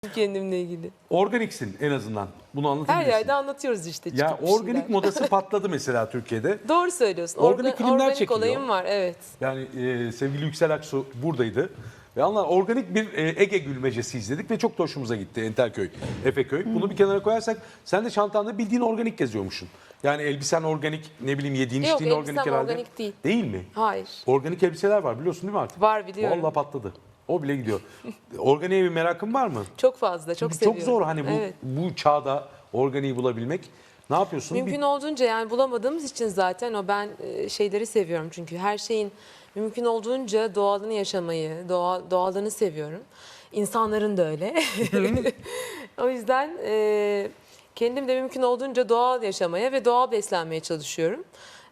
kendimle ilgili. Organiksin en azından. Bunu Her anlatabilirsin. yerde anlatıyoruz işte. Ya çıkıp bir organik şeyler. modası patladı mesela Türkiye'de. Doğru söylüyorsun. Organik filmler organik çekiliyor. olayım var, evet. Yani sevgili Yüksel Aksu buradaydı. Ve anlar organik bir Ege gülmecesi izledik ve çok da hoşumuza gitti. Entelköy, Efeköy. Bunu bir kenara koyarsak sen de çantanda bildiğin organik geziyormuşsun. Yani elbisen organik, ne bileyim yediğin Yok, içtiğin organik elbisem herhalde. organik değil. Değil mi? Hayır. Organik elbiseler var biliyorsun değil mi artık? Var, biliyorum. Vallahi patladı. O bile gidiyor. Organiğe bir merakın var mı? Çok fazla, çok Çünkü seviyorum. çok zor hani Evet. bu çağda organiği bulabilmek. Ne yapıyorsun? Mümkün olduğunca, yani bulamadığımız için zaten ben şeyleri seviyorum. Çünkü her şeyin mümkün olduğunca doğalını yaşamayı, doğalını seviyorum. İnsanların da öyle. O yüzden kendim de mümkün olduğunca doğal yaşamaya ve doğal beslenmeye çalışıyorum.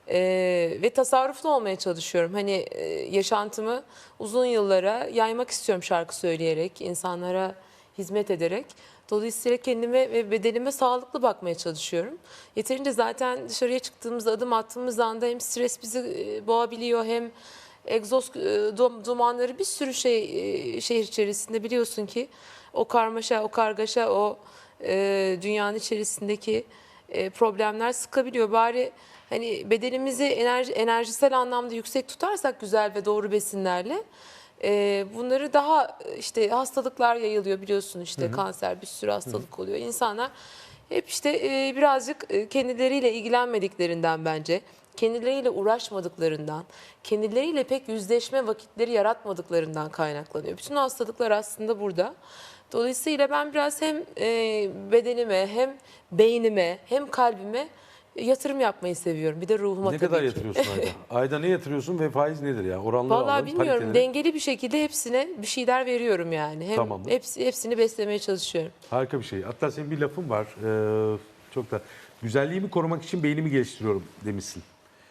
Ve tasarruflu olmaya çalışıyorum. Hani yaşantımı uzun yıllara yaymak istiyorum şarkı söyleyerek, insanlara hizmet ederek. Dolayısıyla kendime ve bedenime sağlıklı bakmaya çalışıyorum. Yeterince zaten dışarıya çıktığımızda, adım attığımız anda hem stres bizi boğabiliyor, hem egzoz dumanları, bir sürü şehir içerisinde biliyorsun ki o karmaşa, o kargaşa, o dünyanın içerisindeki problemler sıkabiliyor. Bari hani bedenimizi enerjisel anlamda yüksek tutarsak güzel ve doğru besinlerle, bunları daha işte hastalıklar yayılıyor biliyorsun, işte kanser, bir sürü hastalık oluyor. İnsanlar hep işte birazcık kendileriyle ilgilenmediklerinden, bence kendileriyle uğraşmadıklarından, kendileriyle pek yüzleşme vakitleri yaratmadıklarından kaynaklanıyor. Bütün hastalıklar aslında burada. Dolayısıyla ben biraz hem bedenime, hem beynime, hem kalbime yatırım yapmayı seviyorum. Bir de ruhuma Ne tabii kadar ki. yatırıyorsun ayda? Ayda ne yatırıyorsun ve faiz nedir ya? Oranları Vallahi alalım, bilmiyorum. pariteleri. Dengeli bir şekilde hepsine bir şeyler veriyorum yani. Hem Tamamdır. hepsini beslemeye çalışıyorum. Harika bir şey. Hatta senin bir lafın var. Çok da güzelliğimi korumak için beynimi geliştiriyorum demişsin.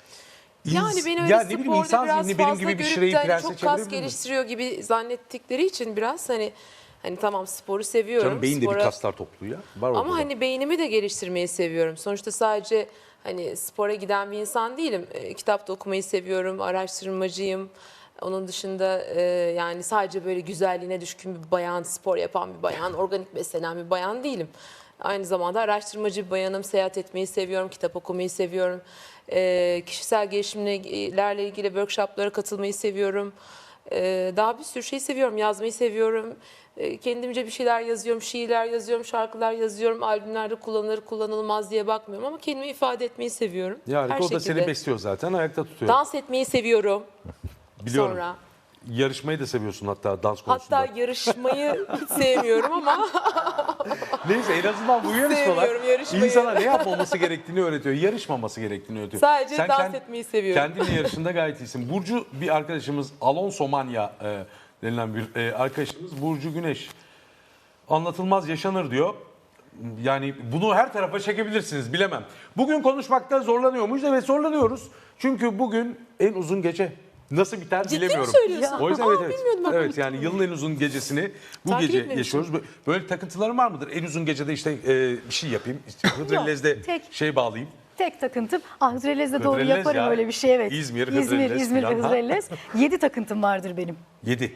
Yani beni öyle ya ne bileyim, sporda insan biraz zihni benim fazla gibi bir görüp şireyi de hani prense çok kas çevirebilir mi? geliştiriyor gibi zannettikleri için biraz hani tamam, sporu seviyorum. Canım beyin de bir kaslar topluluğu ya. Var orada Ama da. hani beynimi de geliştirmeyi seviyorum. Sonuçta sadece hani spora giden bir insan değilim. Kitap da okumayı seviyorum, araştırmacıyım. Onun dışında yani sadece böyle güzelliğine düşkün bir bayan, spor yapan bir bayan, organik beslenen bir bayan değilim. Aynı zamanda araştırmacı bir bayanım, seyahat etmeyi seviyorum, kitap okumayı seviyorum. Kişisel gelişimlerle ilgili workshoplara katılmayı seviyorum. Daha bir sürü şey seviyorum, yazmayı seviyorum. Kendimce bir şeyler yazıyorum, şiirler yazıyorum, şarkılar yazıyorum. Albümlerde kullanılır, kullanılmaz diye bakmıyorum ama kendimi ifade etmeyi seviyorum. Ya Her o da şekilde. seni besliyor zaten, ayakta tutuyor. Dans etmeyi seviyorum. Biliyorum. Sonra. Yarışmayı da seviyorsun hatta dans konusunda. Hatta yarışmayı hiç sevmiyorum ama Neyse, en azından bu yarışmalar Sevmiyorum yarışmayı. insana ne yapmaması gerektiğini öğretiyor. Yarışmaması gerektiğini öğretiyor. Sadece dans etmeyi seviyorum. Kendinle yarışında gayet iyisin. Burcu bir arkadaşımız, Alonso Manya denilen bir arkadaşımız, Burcu Güneş. Anlatılmaz yaşanır diyor. Yani bunu her tarafa çekebilirsiniz, bilemem. Bugün konuşmakta zorlanıyor muyuz? Evet, zorlanıyoruz. Çünkü bugün en uzun gece. Nasıl biter Ciddi mi bilemiyorum. söylüyorsun? O yüzden Aa, evet. bilmiyordum ben. Evet, yani yılın en uzun gecesini bu Takip gece etmemiştim. yaşıyoruz. Böyle takıntıların var mıdır? En uzun gecede işte bir şey yapayım. İşte Hıdrellez'de tek. şey bağlayayım. Tek takıntım, Hıdrellez'de doğru Hıdrellez yaparım ya. öyle bir şey, evet. İzmir, Hıdrellez İzmir ve falan, ha? Hıdrellez. 7 takıntım vardır benim. 7.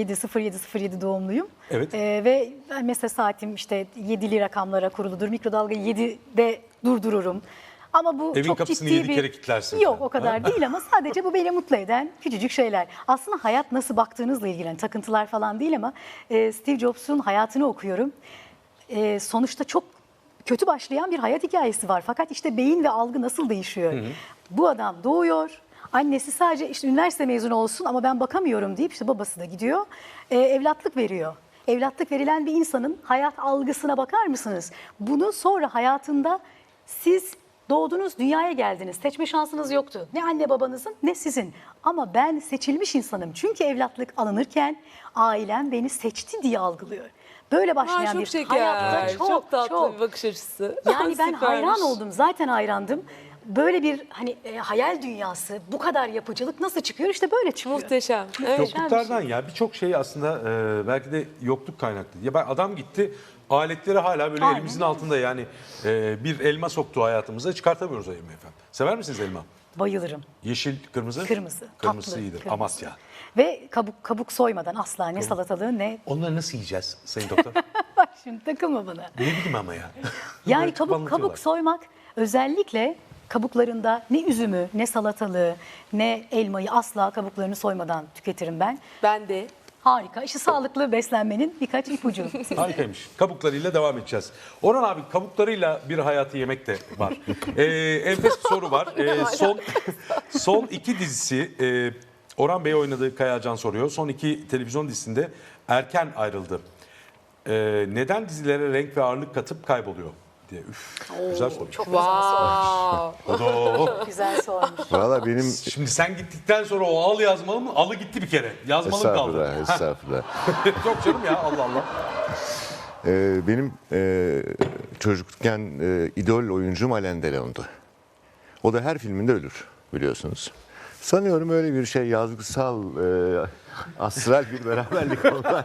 07 doğumluyum. Evet. Ve mesela saatim işte 7'li rakamlara kuruludur. Mikrodalgayı 7'de durdururum. Ama bu Evin çok kapısını ciddi 7 kere kilitlersin Yok, sen. o kadar değil ama sadece bu beni mutlu eden küçücük şeyler. Aslında hayat nasıl baktığınızla ilgili, yani takıntılar falan değil ama Steve Jobs'un hayatını okuyorum. Sonuçta çok kötü başlayan bir hayat hikayesi var. Fakat işte beyin ve algı nasıl değişiyor? Bu adam doğuyor. Annesi sadece işte üniversite mezunu olsun ama ben bakamıyorum deyip işte babası da gidiyor. Evlatlık veriyor. Evlatlık verilen bir insanın hayat algısına bakar mısınız? Bunu sonra hayatında siz doğdunuz, dünyaya geldiniz. Seçme şansınız yoktu. Ne anne babanızın ne sizin. Ama ben seçilmiş insanım. Çünkü evlatlık alınırken ailem beni seçti diye algılıyor. Böyle başlayan çok bir şeker, hayatta çok tatlı bir bakış açısı. Yani ben hayran Süpermiş. oldum, zaten hayrandım. Böyle bir hani hayal dünyası, bu kadar yapıcılık nasıl çıkıyor? İşte böyle çıkıyor. Muhteşem. Evet. Yokluklardan ya, birçok şey aslında belki de yokluk kaynaklı. Ya ben adam gitti, aletleri hala böyle Aynen elimizin öyle. altında, yani bir elma soktu hayatımıza, çıkartamıyoruz o elmayı efendim. Sever misiniz elma? Bayılırım. Yeşil, kırmızı? Kırmızı. Kırmızı tatlı, iyidir. kırmızı. Amasya. Ve kabuk soymadan asla, ne salatalığı ne Onları nasıl yiyeceğiz Sayın Doktor? Şimdi takılma bana. Ne bileyim ama ya. Yani Böyle kabuk anlatıyorlar. soymak özellikle kabuklarında ne üzümü, ne salatalığı, ne elmayı asla kabuklarını soymadan tüketirim ben. Ben de. Harika. İşte sağlıklı beslenmenin birkaç ipucu. Harikaymış. Kabuklarıyla devam edeceğiz. Orhan abi kabuklarıyla bir hayatı yemek de var. Enfes bir soru var. Son iki dizisi Orhan Bey oynadığı Kayacan soruyor. Son iki televizyon dizisinde erken ayrıldı. Neden dizilere renk ve ağırlık katıp kayboluyor diye. Üf, güzel soru. Çok güzel sormuş. Odo. Çok güzel sormuş. Valla benim Şimdi sen gittikten sonra o al yazmalı mı? Alı gitti bir kere. Yazmalı mı kaldı? estağfurullah. Çok canım ya Allah Allah. Benim çocukken idol oyuncum Alain Delon'du. O da her filminde ölür biliyorsunuz. Sanıyorum öyle bir şey yazgısal, astral bir beraberlik oldu.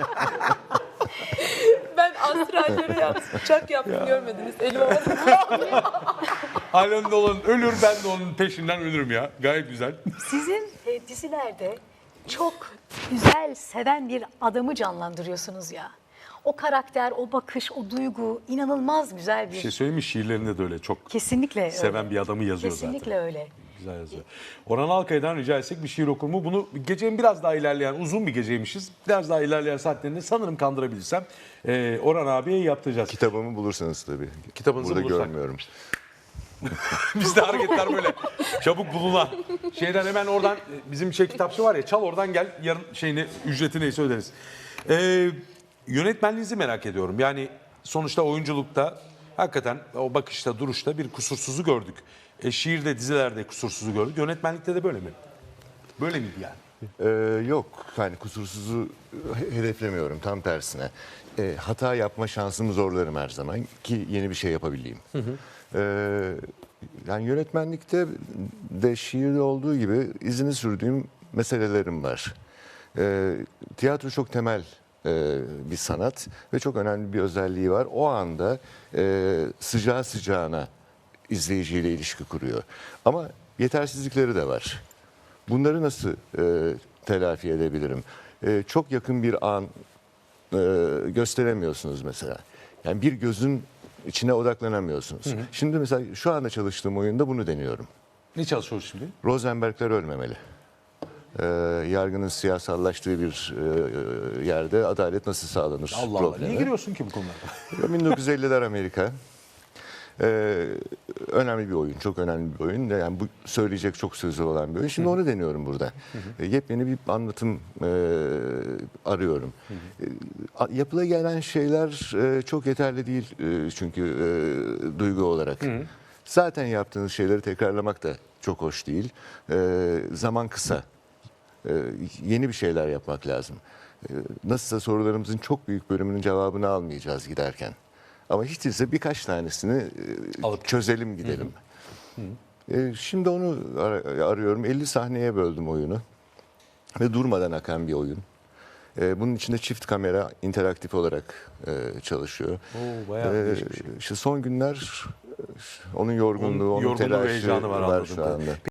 Ben astrallere yaptım. Uçak yaptım görmediniz. Elim havada. Alain Delon ölür, ben de onun peşinden ölürüm ya. Gayet güzel. Sizin dizilerde çok güzel, seven bir adamı canlandırıyorsunuz ya. O karakter, o bakış, o duygu inanılmaz güzel Bir bir... şey söyleyeyim mi? Şiirlerinde de öyle çok Kesinlikle öyle. seven bir adamı yazıyor Kesinlikle zaten. öyle. Güzel yazıyor. Orhan Alkaya'dan rica etsek bir şiir okur mu? Bunu gecenin biraz daha ilerleyen, uzun bir geceymişiz. Biraz daha ilerleyen saatlerinde sanırım kandırabilirsem Orhan abiye yaptıracağız. Kitabımı bulursanız tabii. Kitabınızı Burada bulursak. görmüyorum. Bizde hareketler böyle çabuk bulunan. Şeyden hemen oradan bizim kitapçı var ya, çal oradan gel, yarın ücreti neyse öderiz. Yönetmenliğinizi merak ediyorum. Yani sonuçta oyunculukta hakikaten o bakışta, duruşta bir kusursuzu gördük. Şiirde, dizilerde kusursuzu gördük. Yönetmenlikte de böyle mi? Böyle miydi yani? Yok, yani kusursuzu hedeflemiyorum, tam tersine. Hata yapma şansımı zorlarım her zaman ki yeni bir şey yapabileyim. Yani yönetmenlikte de şiirde olduğu gibi izini sürdüğüm meselelerim var. Tiyatro çok temel bir sanat ve çok önemli bir özelliği var. O anda sıcağı sıcağına izleyiciyle ilişki kuruyor. Ama yetersizlikleri de var. Bunları nasıl telafi edebilirim? Çok yakın bir an gösteremiyorsunuz mesela. Yani bir gözün içine odaklanamıyorsunuz. Şimdi mesela şu anda çalıştığım oyunda bunu deniyorum. Ne çalışıyoruz şimdi? Rosenbergler ölmemeli. Yargının siyasallaştığı bir yerde adalet nasıl sağlanır Allah Allah. problemi. Niye giriyorsun ki bu konulara? 1950'ler Amerika. Önemli bir oyun, çok önemli bir oyun. Yani bu söyleyecek çok sözü olan bir oyun. Şimdi onu deniyorum burada. Yepyeni bir anlatım arıyorum. Yapıla gelen şeyler çok yeterli değil çünkü duygu olarak. Zaten yaptığınız şeyleri tekrarlamak da çok hoş değil. Zaman kısa. Yeni bir şeyler yapmak lazım. Nasılsa sorularımızın çok büyük bölümünün cevabını almayacağız giderken. Ama hiç değilse birkaç tanesini Alıp çözelim gidelim. Şimdi onu arıyorum. 50 sahneye böldüm oyunu. Ve durmadan akan bir oyun. Bunun içinde çift kamera interaktif olarak çalışıyor. Oo, bayağı değişik bir şey. İşte son günler onun yorgunluğu, onun yorgunluğu ve telaşı heyecanı var var anladığım şu kadarıyla. anda.